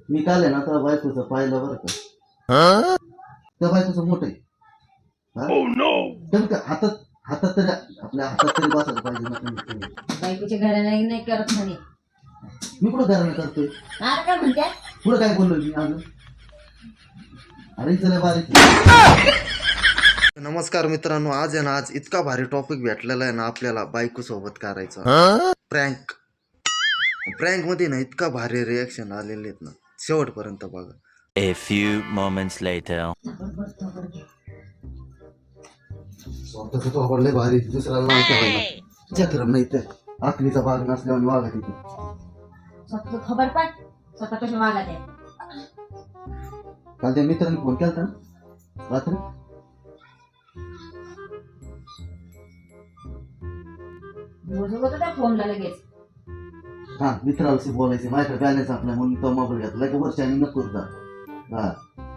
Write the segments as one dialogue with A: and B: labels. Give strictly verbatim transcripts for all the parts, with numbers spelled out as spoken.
A: मी काल आहे ना त्या बायकोचं पाहिलं बरं का, त्या बायकोचं मोठं आहे. का हातात हातात तरी आपल्या हातात तरी बसायला पाहिजे ना तुम्ही.
B: बायकोच्या घराला नाही करत म्हणे.
A: मी कुठं घराने करतोय?
B: आता काय म्हणत्या?
A: पुढे काय बोललो मी अजून? अरे चला बारीक. नमस्कार मित्रांनो, आज आहे ना आज इतका भारी टॉपिक भेटलेला आहे ना आपल्याला बायको सोबत करायचा प्रँक. प्रँक मध्ये ना इतका भारी रिएक्शन आलेले आहेत ना, शेवटपर्यंत बघा.
C: A few moments later.
A: स्वतःच तो आवडले भारी, दुसऱ्याला नाव ठेवायला चक्रम नाही तर आखलीचा भाग नसल्यावर वागत येते.
B: स्वतः खबर पाठ स्वतः कशा वागत आहे.
A: काल त्या मित्रांनी फोन केला ना रात्री,
B: रोज होतं त्या फोनला लगेच.
A: हा मित्राशी बोलायचे, माझ्याकडे बॅलन्स आपला म्हणून तो मोबाईल घेतला की वर्षाने नको जा. हा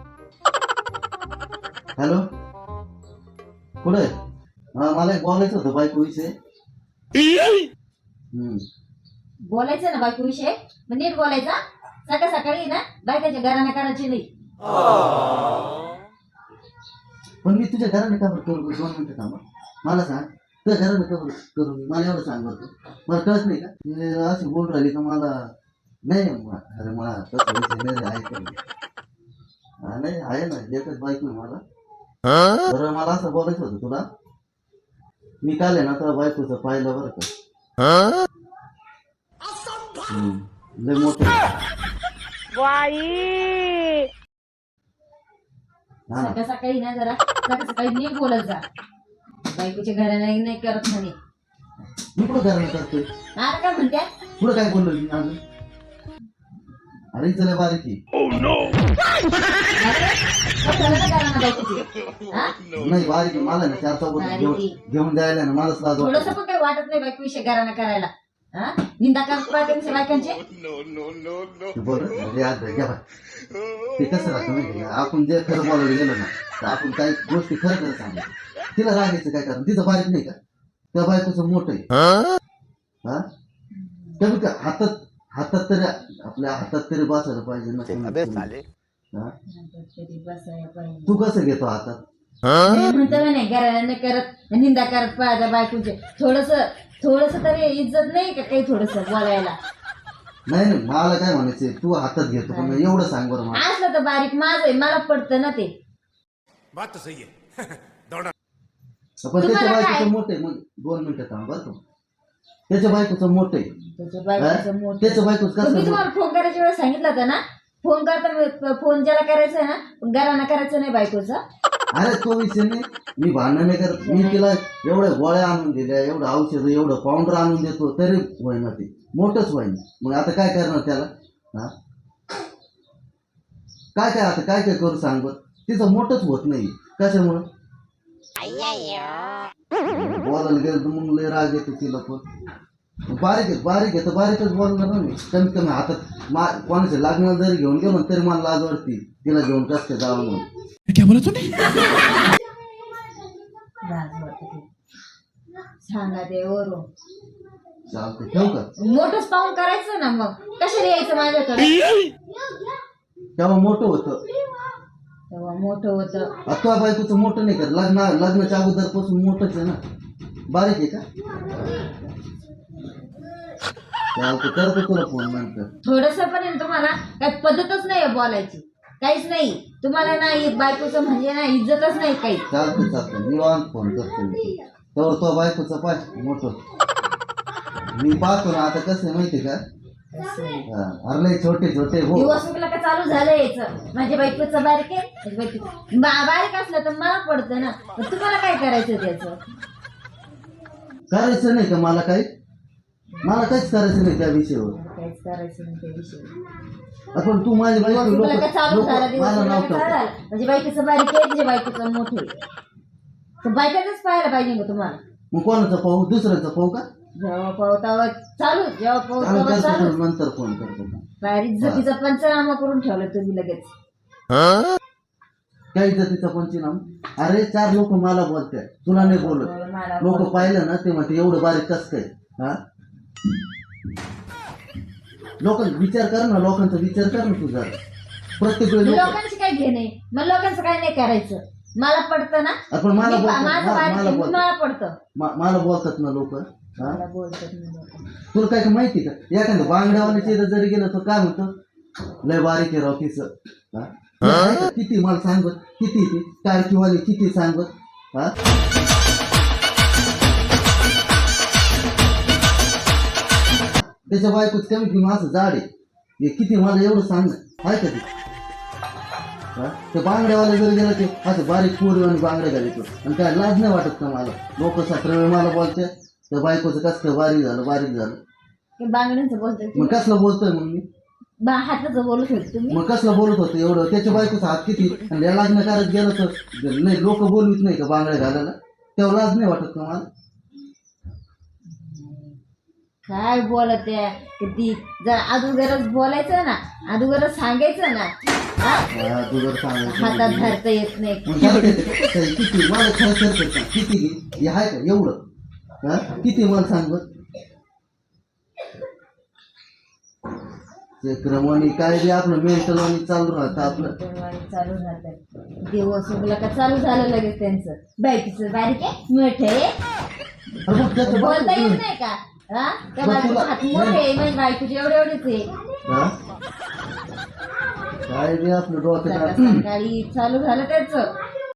A: हॅलो कुठे? हा मला एक बोलायचं होतं बायको विषय. हम्म
B: बोलायचं ना बायको विषय, मग नीट बोलायचा. सकाळ सकाळी ना बायकाच्या घराने करायची नाही.
A: पण मी तुझ्या घराने का बरं करू? दोन मिनिटं थांबा, मला सांग तुझ्या घराने का बरं करू? मला एवढं सांग बरं. मला कळत नाही का हे अशी बोल राहिली का? मला नाही अरे मला तसं विषय नाही आहे का? हा नाही आहे ना, एकच बाईक नाही मला. बरं मला असं बोलायचं होतं तुला. मी काल आहे ना त्या बायकोचं पाहिलं बरं का. हम्म लय मोठं
B: सकाळ सकाळी ना जरा सकाळ सकाळी नीट बोलत जा. बायकोच्या घराला नाही करत म्हणे.
A: मी कुठं घराने करतोय?
B: आता काय म्हणत्या?
A: पुढे काय बोललो मी अजून? अरे चला बारीक नाही बारीक मला ना चार चौघ घेऊन जायला ना मलाच लाज
B: थोडस पण काही वाटत नाही बायको विषय घराने करायला. हा निंदा करत पाहिजे बायकांचे.
A: बोल घ्या ते कसं राहतं माहिती का, आपण जे खरं बोलायला गेलो ना तर आपण काही गोष्टी खरं खरं सांगतो. तिला रागायचं काय कारण? तिचं बारीक नाही का? त्या बायकोचं मोठं आहे. हा कमी का हातात हातात तरी आपल्या हातात तरी बसायला पाहिजे ना. तू कसं घेतो हातात?
B: म्हणतो नाही घराला नाही करत, निंदा करत पाहिजे बायकोचे. थोडस थोडस तरी इज्जत नाही का काही थोडस बोलायला?
A: नाही नाही मला काय म्हणायचं, तू हातात घेतो पण एवढं सांग बरं मला.
B: असलं तर बारीक माझं आहे, मला पडतं ना ते.
A: पण त्याच्या बायकोचं मोठं आहे. मग दोन मिनिटं थांब बरं का. त्याच्या बायकोचं मोठं आहे.
B: त्याच्या बायकोचं मोठं.
A: त्याच्या बायकोचं
B: मी
A: कसं?
B: तुम्हाला फोन करायच्या वेळेस सांगितलं होतं ना, फोन करता फोन ज्याला करायचा आहे ना घराना करायचं नाही बायकोचं.
A: अरे तो विषय नाही, मी भांडण नाही करत. मी तिला एवढ्या गोळ्या आणून दिल्या, एवढं औषध, एवढं पावडर आणून देतो तरी होईना, ते मोठंच होईना. मग आता काय करणार त्याला? हा काय काय आता काय काय करू सांग बरं. तिचं मोठंच होत नाही. कशामुळं? बोलायला गेलं तर मग लय राग येतो तिला. पण बारीक आहे बारीक आहे तर बारीकच बोलणार ना मी. कमीत कमी हातात मा कोणाच्या लग्नाला जरी घेऊन गेलो तरी मला लाज वाटते तिला घेऊन कसं काय जावं म्हणून.
D: क्या बोला तूने?
B: सांगा ते वरून.
A: चालतं ठेवू का?
B: मोठंच पाहून करायचं ना, मग कशाला यायचं माझ्याकडे?
A: तेव्हा मोठं होतं,
B: तेव्हा मोठं होतं.
A: आता बायकोचं मोठं नाही कर. लग्न लग्नाच्या अगोदर पासून मोठंच आहे ना. बारीक आहे का? चालतं करतो तुला फोन नंतर.
B: थोडस पण आहे तुम्हाला काही पद्धतच नाही बोलायची, काहीच नाही तुम्हाला. नाही बायकोचं म्हणजे ना इज्जतच नाही काही.
A: चालतं चालतं निवांत फोन करतो मी. तेव्हा तो बायकोचा पाय मोठं मी पाहतो ना. आता कसं आहे माहिती का, अरे छोटे छोटे हो
B: दिवस उगला का चालू झालं यायचं. माझ्या बायकोचं बारीक आहे, माझ्या बायकोचं बा- बारीक असलं तर मला पडतं ना. पण तुम्हाला काय करायचं त्याचं?
A: करायचं नाही का मला काही? मला काहीच करायचं नाही त्या विषयावर.
B: काहीच करायचं नाही त्या विषयी.
A: आपण तू माझी बायको
B: दिवस उगला का
A: लोक
B: चालू झाला, दिवस
A: मला
B: उगला
A: नाव
B: का
A: ठेवतात.
B: चालला. म्हणजे बायकोचं बारीक आहे, तुझ्या बायकोचं मोठं आहे. तर बायकाच पाहायला पाहिजे का तुम्हाला?
A: मग कोणाचं पाहू? दुसऱ्याचं पाहू का?
B: जेव्हा पावतावर चालू, जेव्हा
A: चालू
B: पावतावर
A: करतो
B: चालू.
A: तुला नंतर फोन करतो.
B: बाहेर इज्जतीचा पंचनामा करून ठेवलं तुम्ही लगेच.
A: काय इज्जतीचा पंचनामा? अरे चार लोक मला बोलतात, तुला नाही बोलत. लोक पाहिलं ना ते म्हणते एवढं बारीक कस काय. हा लोकांचा विचार कर ना, लोकांचा विचार कर ना तुझा. प्रत्येक वेळी लोक-
B: लोकांशी काय घेणे मग लोकांचं काय नाही करायचं. मला पडतं ना,
A: आपण मला
B: मी-
A: बोलतात,
B: माझं
A: मा-
B: बारीक
A: मला
B: आहे,
A: बोलतात
B: मला पडतं.
A: मा- मला बोलतात ना लोक.
B: मला बोलतात ना लोक.
A: तुला काय काय माहिती का, एखादं बांगड्यावाल्याच्या इथं जरी गेलं तर काय म्हणतो, लय बारीक आहे राव तिचं. हा? ऐका, किती मला सांगत, किती ती टाळकीवाली किती सांगत. हा त्याच्या बायकोच कमीत कमी असं जाड आहे, हे किती मला एवढं सांग आहे का ते. हा? ते बांगड्यावाला जरी गेलं ते असं बारीक पोरी आणि बांगड्या घालायचो आणि काय लाज नाही वाटत का मला. लोक सतरा वेळ मला बोलते त्या बायकोचं कसं काय बारीक झालं बारीक झालं.
B: की बांगड्यांचं बोलतोय
A: मग कसलं बोलतोय मग मी,
B: बा हाताचं बोलू शकतो तुम्ही.
A: मग कसलं बोलत होतं एवढं. त्याच्या बायकोचा हात किती आणि या लग्न करत गेलं तर नाही लोक बोलवीत नाही का बांगड्या घालायला, तेव्हा लाज नाही वाटत का मला.
B: काय बोलत आहे किती जर अगोदरच बोलायचं ना, अगोदरच सांगायचं ना. हा?
A: हा, तू जर सांगायचं
B: हातात धरता येत नाही.
A: मग काय ते- ते- किती मला खरं खरं खरं सांग, किती घे हे आहे का एवढं. हा किती मला सांग बरं. ते क्रमाने काय बी आपलं मेंटल आणि चालू राहतं आपलं.
B: दरवाजे चालू राहतात. दिवस उगला का चालू झालं लगेच त्यांचं. बायकीचं बारीक आहे मोठे आहे.
A: अरे मग त्याचं
B: बोलता
A: बायको-
B: येत नाही का. हा त्या
A: मग
B: बायकोचे
A: तुला-
B: हात मोठे आहे, माझ्या बायकोचे एवढे एवढेच आहे.
A: हा? काय बी आपलं डोक्यात
B: सकाळ- सकाळी चालू झालं त्याचं